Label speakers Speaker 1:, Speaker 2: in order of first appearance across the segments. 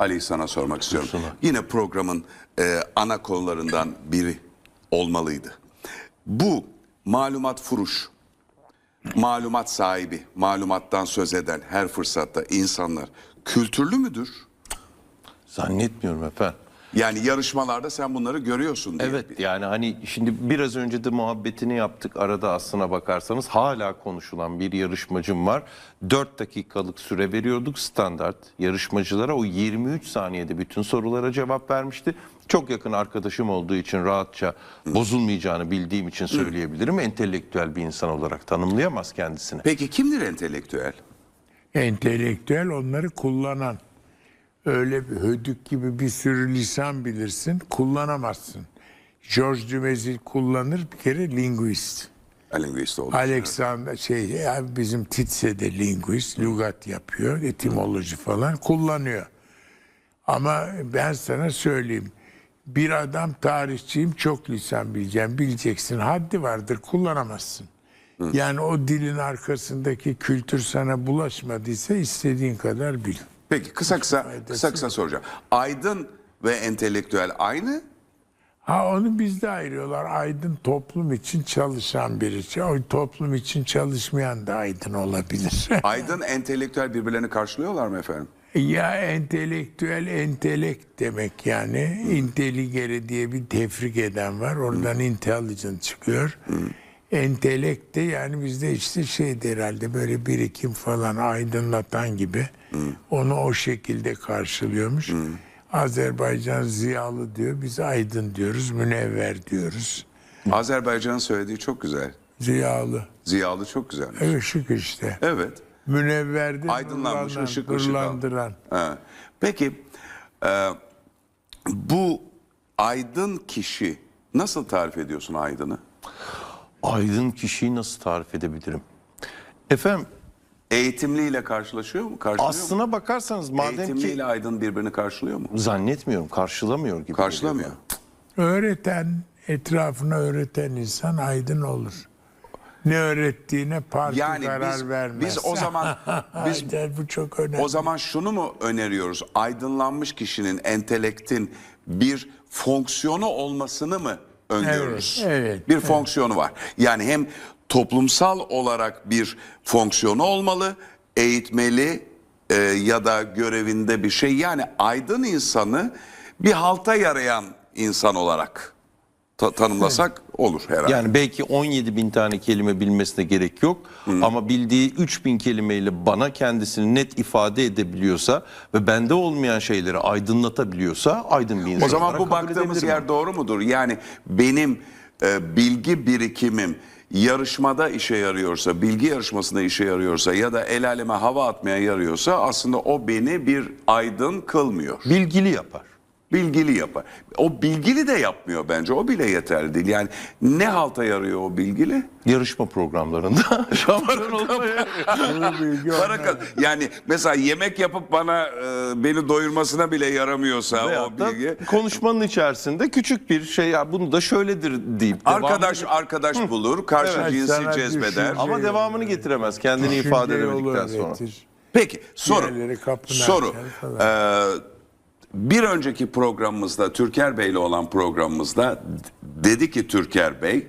Speaker 1: Ali, sana sormak istiyorum.
Speaker 2: Buyursunlar.
Speaker 1: Yine programın ana konularından biri olmalıydı. Bu malumat furuş, malumat sahibi, malumattan söz eden her fırsatta insanlar kültürlü müdür?
Speaker 2: Zannetmiyorum efendim.
Speaker 1: Yani yarışmalarda sen bunları görüyorsun diye.
Speaker 2: Evet, yani hani şimdi biraz önce de muhabbetini yaptık. Arada aslına bakarsanız hala konuşulan bir yarışmacım var. 4 dakikalık süre veriyorduk standart yarışmacılara. O 23 saniyede bütün sorulara cevap vermişti. Çok yakın arkadaşım olduğu için rahatça bozulmayacağını bildiğim için söyleyebilirim. Entelektüel bir insan olarak tanımlayamaz kendisini.
Speaker 1: Peki kimdir entelektüel?
Speaker 3: Entelektüel onları kullanan. Öyle bir hödük gibi bir sürü lisan bilirsin, kullanamazsın. Georges Dumézil kullanır, bir kere linguist.
Speaker 1: Linguist oldu.
Speaker 3: Alexander bizim Titse de linguist, lügat yapıyor, etimoloji falan kullanıyor. Ama ben sana söyleyeyim, bir adam tarihçiyim, çok lisan bileceğim, bileceksin, haddi vardır, kullanamazsın. Yani o dilin arkasındaki kültür sana bulaşmadıysa istediğin kadar bil.
Speaker 1: Peki kısa kısa soracağım. Aydın ve entelektüel aynı?
Speaker 3: Onu bizde ayırıyorlar. Aydın toplum için çalışan birisi. O toplum için çalışmayan da aydın olabilir.
Speaker 1: Aydın, entelektüel birbirlerini karşılıyorlar mı efendim?
Speaker 3: Ya entelektüel, entelekt demek yani. Intelligere diye bir tefrik eden var. Oradan intelligent çıkıyor. Entelekt de yani bizde işte şeydir herhalde, böyle birikim falan, aydınlatan gibi. Onu o şekilde karşılıyormuş. Azerbaycan ziyalı diyor. Biz aydın diyoruz. Münevver diyoruz.
Speaker 1: Azerbaycan'ın söylediği çok güzel.
Speaker 3: Ziyalı.
Speaker 1: Ziyalı çok güzelmiş.
Speaker 3: Işık işte.
Speaker 1: Evet.
Speaker 3: Münevver de
Speaker 1: Aydınlanmış, ışık
Speaker 3: nurlandıran.
Speaker 1: Ha. Peki bu aydın kişi, nasıl tarif ediyorsun aydını?
Speaker 2: Aydın kişiyi nasıl tarif edebilirim? Efendim,
Speaker 1: Eğitimliyle karşılaşıyor mu? Karşılıyor mu?
Speaker 2: aslına bakarsanız madem ki
Speaker 1: Eğitimliyle aydın birbirini karşılıyor mu?
Speaker 2: zannetmiyorum, karşılamıyor gibi.
Speaker 1: Karşılamıyor.
Speaker 2: geliyor
Speaker 3: Öğreten, etrafına öğreten insan aydın olur. Ne öğrettiğine parti
Speaker 1: Yani
Speaker 3: karar vermez.
Speaker 1: biz o zaman biz
Speaker 3: Bu çok önemli.
Speaker 1: o zaman şunu mu öneriyoruz? Aydınlanmış kişinin, entelektin bir fonksiyonu olmasını mı öngörürüz?
Speaker 3: Evet,
Speaker 1: Bir fonksiyonu var. Yani hem toplumsal olarak bir fonksiyonu olmalı, eğitmeli ya da görevinde bir şey. Yani aydın insanı bir halta yarayan insan olarak tanımlasak olur herhalde.
Speaker 2: Yani belki 17 bin tane kelime bilmesine gerek yok. Ama bildiği 3.000 kelimeyle bana kendisini net ifade edebiliyorsa ve bende olmayan şeyleri aydınlatabiliyorsa aydın bir insan
Speaker 1: O zaman
Speaker 2: olarak
Speaker 1: bu
Speaker 2: kabul
Speaker 1: baktığımız
Speaker 2: edebilirim.
Speaker 1: yer doğru mudur? Yani benim bilgi birikimim yarışmada işe yarıyorsa, bilgi yarışmasında işe yarıyorsa ya da el aleme hava atmaya yarıyorsa aslında o beni bir aydın kılmıyor.
Speaker 2: Bilgili yapar.
Speaker 1: Bilgili yapar. O bilgili de yapmıyor bence. O bile yeterli değil. Yani ne halta yarıyor o bilgili?
Speaker 2: Yarışma programlarında şampiyon olmaya.
Speaker 1: Yani mesela yemek yapıp beni doyurmasına bile yaramıyorsa o
Speaker 2: Veyahut da
Speaker 1: bilgi.
Speaker 2: konuşmanın içerisinde küçük bir şey, ya bunu da şöyledir deyip
Speaker 1: Arkadaş bulur, karşı
Speaker 3: Evet,
Speaker 1: cinsi
Speaker 3: sana
Speaker 1: cezbeder.
Speaker 2: ama devamını getiremez kendini ifade edemedikten sonra.
Speaker 1: Peki soru.
Speaker 3: Diğerleri kapını
Speaker 1: Soru.
Speaker 3: açar falan.
Speaker 1: Bir önceki programımızda, Türker Bey'le olan programımızda dedi ki Türker Bey,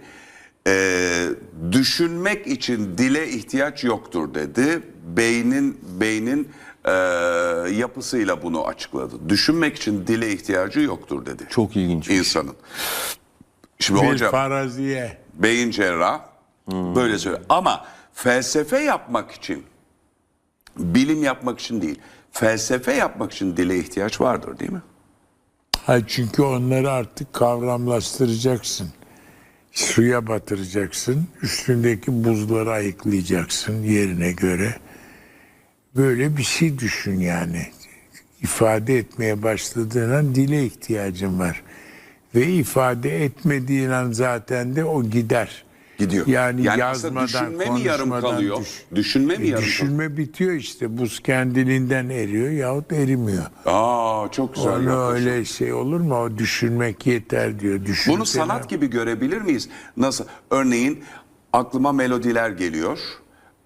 Speaker 1: düşünmek için dile ihtiyaç yoktur dedi. Beynin yapısıyla bunu açıkladı. Düşünmek için dile ihtiyacı yoktur dedi.
Speaker 2: Çok ilginç.
Speaker 1: İnsanın. Şimdi
Speaker 3: Bir
Speaker 1: hocam,
Speaker 3: faraziye.
Speaker 1: beyin cerrah böyle söylüyor. Ama felsefe yapmak için, bilim yapmak için değil, felsefe yapmak için dile ihtiyaç vardır değil mi?
Speaker 3: Çünkü onları artık kavramlaştıracaksın. Suya batıracaksın. Üstündeki buzları ayıklayacaksın yerine göre. Böyle bir şey düşün yani. İfade etmeye başladığın an dile ihtiyacın var. Ve ifade etmediğin an zaten de o gider.
Speaker 1: Gidiyor.
Speaker 3: Yani
Speaker 1: aslında
Speaker 3: yazmadan,
Speaker 1: düşünme mi yarım
Speaker 3: konuşmadan
Speaker 1: kalıyor? Düşünme mi yarım kalıyor?
Speaker 3: Düşünme bitiyor işte. Buz kendiliğinden eriyor yahut erimiyor.
Speaker 1: Çok güzel
Speaker 3: Onu
Speaker 1: yaklaşım.
Speaker 3: öyle şey olur mu? O düşünmek yeter diyor.
Speaker 1: Bunu sanat gibi görebilir miyiz? Nasıl? Örneğin aklıma melodiler geliyor.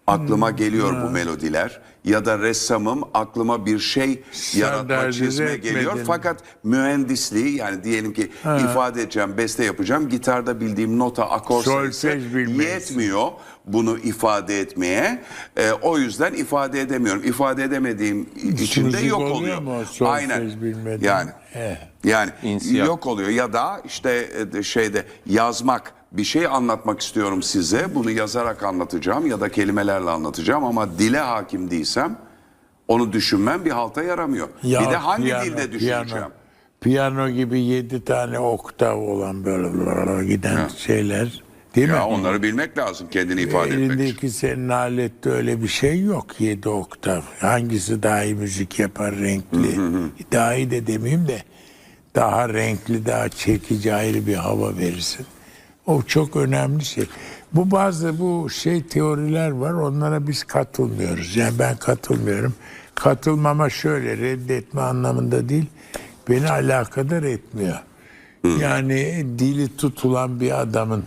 Speaker 1: aklıma geliyor bu melodiler ya da ressamım aklıma bir şey yaratma,
Speaker 3: Standartize
Speaker 1: çizme geliyor.
Speaker 3: etmedin.
Speaker 1: Fakat mühendisliği, yani diyelim ki ifade edeceğim, beste yapacağım, gitarda bildiğim nota, akor sayısı
Speaker 3: Solfej bilmelisin.
Speaker 1: yetmiyor bunu ifade etmeye. O yüzden ifade edemiyorum. İfade edemediğim için de
Speaker 3: Müzik
Speaker 1: yok
Speaker 3: oluyor
Speaker 1: oluyor.
Speaker 3: mu o solfej
Speaker 1: Aynen.
Speaker 3: bilmeden?
Speaker 1: Yani yani
Speaker 2: İnsiyah.
Speaker 1: yok oluyor ya da işte şeyde yazmak, bir şey anlatmak istiyorum size, bunu yazarak anlatacağım ya da kelimelerle anlatacağım ama dile hakim değilsem onu düşünmem bir halta yaramıyor.
Speaker 3: Ya
Speaker 1: bir de hangi
Speaker 3: piyano,
Speaker 1: dilde düşüneceğim?
Speaker 3: Piyano gibi 7 tane oktav olan böyle giden şeyler değil mi?
Speaker 1: Ya onları bilmek lazım kendini ifade etmek için.
Speaker 3: Elindeki senin alette öyle bir şey yok, 7 oktav. Hangisi daha iyi müzik yapar, renkli? Daha iyi de demeyeyim de daha renkli, daha çekici, ayrı bir hava verirsin. O çok önemli şey. Bu teoriler var, onlara biz katılmıyoruz. Yani ben katılmıyorum. Katılmama şöyle, reddetme anlamında değil, beni alakadar etmiyor. Yani dili tutulan bir adamın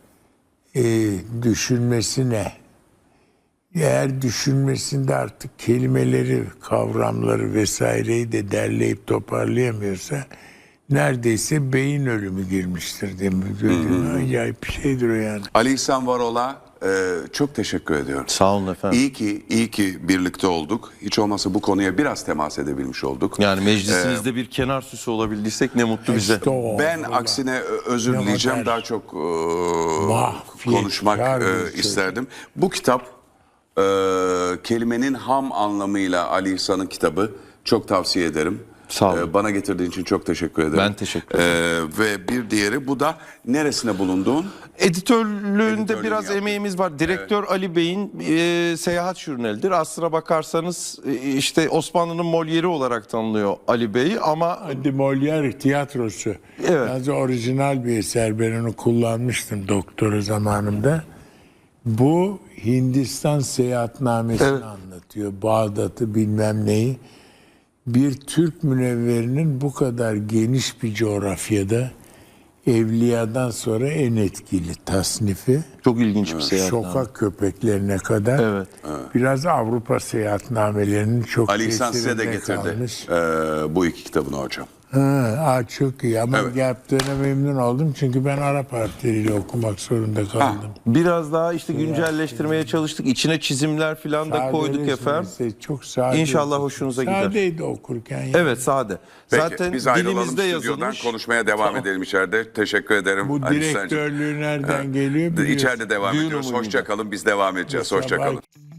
Speaker 3: düşünmesi ne? Eğer düşünmesinde artık kelimeleri, kavramları vesaireyi de derleyip toparlayamıyorsa neredeyse beyin ölümü girmiştir değil mi? Acayip bir şeydir o yani.
Speaker 1: Ali İhsan Varol'a çok teşekkür ediyorum.
Speaker 2: Sağ olun efendim.
Speaker 1: İyi ki birlikte olduk. Hiç olmazsa bu konuya biraz temas edebilmiş olduk.
Speaker 2: Yani meclisinizde bir kenar süsü olabildiysek ne mutlu bize.
Speaker 3: İşte o.
Speaker 1: Ben
Speaker 3: Vallahi.
Speaker 1: aksine özür
Speaker 3: Ne
Speaker 1: dileyeceğim,
Speaker 3: kadar
Speaker 1: daha çok
Speaker 3: mahfiyetkar
Speaker 1: konuşmak
Speaker 3: bir şey.
Speaker 1: isterdim. Bu kitap kelimenin ham anlamıyla Ali İhsan'ın kitabı, çok tavsiye ederim.
Speaker 2: Sağ olun.
Speaker 1: Bana getirdiğin için çok teşekkür ederim.
Speaker 2: Ben teşekkür ederim.
Speaker 1: Ve bir diğeri, bu da neresine bulunduğun?
Speaker 2: Editörlüğünde biraz
Speaker 1: yaptın.
Speaker 2: emeğimiz var. Direktör Ali Bey'in seyahat jurnalidir. Aslına bakarsanız işte Osmanlı'nın Molière'i olarak tanınıyor Ali Bey ama
Speaker 3: De Molière tiyatrosu.
Speaker 2: Evet.
Speaker 3: Yalnız orijinal bir eser. Ben onu kullanmıştım doktora zamanımda. Bu Hindistan seyahatnamesini anlatıyor. Bağdat'ı bilmem neyi. Bir Türk münevverinin bu kadar geniş bir coğrafyada Evliya'dan sonra en etkili tasnifi.
Speaker 2: çok ilginç bir seyahat.
Speaker 3: Sokak köpeklerine kadar.
Speaker 2: Evet.
Speaker 3: Biraz Avrupa seyahatnamelerinin çok
Speaker 1: Ali İhsan size de
Speaker 3: tesirinde
Speaker 1: getirdi
Speaker 3: kalmış.
Speaker 1: bu iki kitabını hocam.
Speaker 3: Çok iyi ama
Speaker 1: Evet.
Speaker 3: yaptığına memnun oldum çünkü ben Arap harfleriyle okumak zorunda kaldım.
Speaker 2: Biraz daha işte güncelleştirmeye çalıştık. İçine çizimler falan da koyduk
Speaker 3: Sadeleşmesi
Speaker 2: efendim.
Speaker 3: Çok sade.
Speaker 2: İnşallah hoşunuza gider.
Speaker 3: Sadeydi okurken. Yani.
Speaker 2: Evet, sade.
Speaker 1: Peki,
Speaker 2: Zaten
Speaker 1: biz ayrılalım
Speaker 2: dilimizde
Speaker 1: stüdyodan,
Speaker 2: yazılmış.
Speaker 1: konuşmaya devam edelim içeride. Teşekkür ederim.
Speaker 3: Bu
Speaker 1: Ali İhsan'cığım.
Speaker 3: direktörlüğü nereden geliyor biliyorsun.
Speaker 1: İçeride devam
Speaker 2: Düğün
Speaker 1: ediyoruz.
Speaker 2: umuyla.
Speaker 1: Hoşça kalın, biz devam edeceğiz. Hoşça kalın.
Speaker 3: Sabah